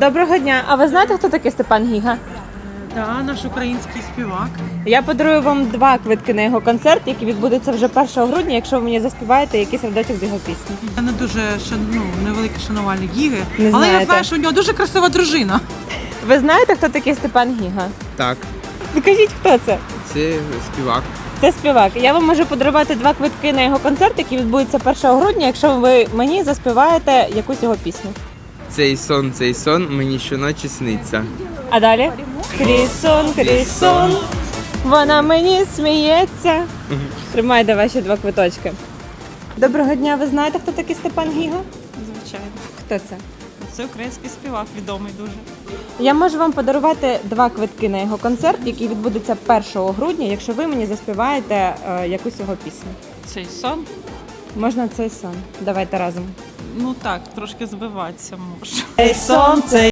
Доброго дня. А ви знаєте, хто такий Степан Гіга? Так, наш український співак. Я подарую вам 2 квитки на його концерт, який відбудеться вже 1 грудня, якщо ви мені заспіваєте якийсь рядочок з його пісні. Я не дуже невеликий шанувальник Гіги, Не але знаєте. я знаю, що у нього дуже красива дружина. Ви знаєте, хто такий Степан Гіга? Так, Ну кажіть, хто це? це співак. Це співак. Я вам можу подарувати 2 квитки на його концерт, який відбудеться 1 грудня, якщо ви мені заспіваєте якусь його пісню. Цей сон мені щоночі сниться. А далі? Крісон, вона мені сміється. Тримайте ваші 2 квиточки. Доброго дня, ви знаєте, хто такий Степан Гіга? Звичайно. Хто це? Це український співак, відомий дуже. Я можу вам подарувати 2 квитки на його концерт, який відбудеться 1 грудня, якщо ви мені заспіваєте якусь його пісню. Цей сон? Можна цей сон. Давайте разом. Ну так, трошки збиватися може. Цей сон, цей